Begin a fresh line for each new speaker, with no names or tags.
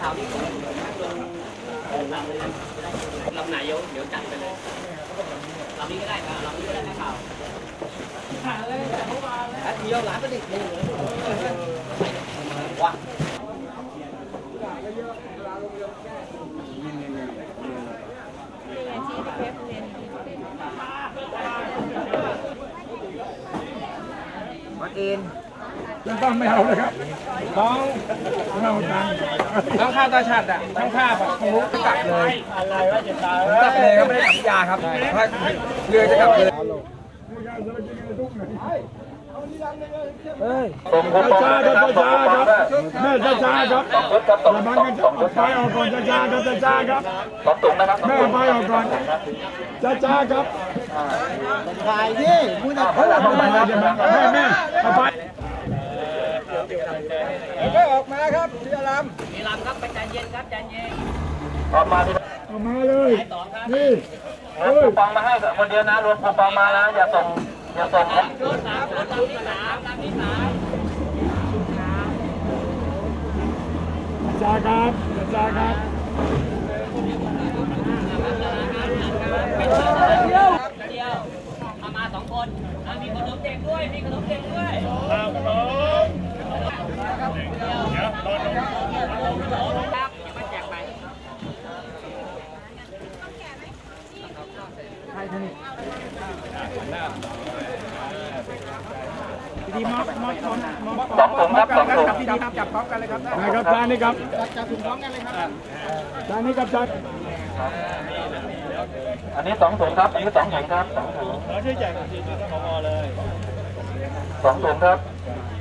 าวนี่ผมนั่งลงลำเลยลำไหนเดี๋ยวจัดไปเลยลำนี้ก็ได้ครับลำนี้ก็ได้นะข่าวเที่ยวร้านก็ดิเลยว้า
วัดอิน
ต้องไม่เอาเลยครับน้องเราตังทั้งข้าวตาฉัดอ่ะทั้งข้าวแบบทะลุกลับเลยผมกลับเลยครับไม่ได้กลับยาครับถ้าเรือจะกลับเลยช้าครับช้าครับแม่ช้าครับระวังกันไปออกก่อนช้าครับช้าครับแม่ไปออกก่อนช้าครับถ่ายดิพูดอะไรแม่ไปก็ออกมาครับเสียลำ
มีลำครับไปใจเย็นครับใจเย็น
ออกมาเลยนี่
รวมคูปองมาให้คนเดียวนะรวมคูปองมานะอย่าส่งครับ
ชุด3ชุดลำที่3ลำที่3
จ้าครับจ้าครับ
เดียวมา2คนมีขนมเด็กด้วยมีขนมเด็กด้วยครับมาแจกไป
ดีมาก
2 ถุงครับ2 ถุง
ดีครับจับพร้อมกันเลยครับได้ครับจานนี้ครับจับถุงพร้อมกันเลยครับจานนี้ครับจาน
อันนี้2 ถุงครับอันนี้2 ถุงครับ2 ถุง
ช่วยแจกทีมท่านผอเลย
2 ถุงครับ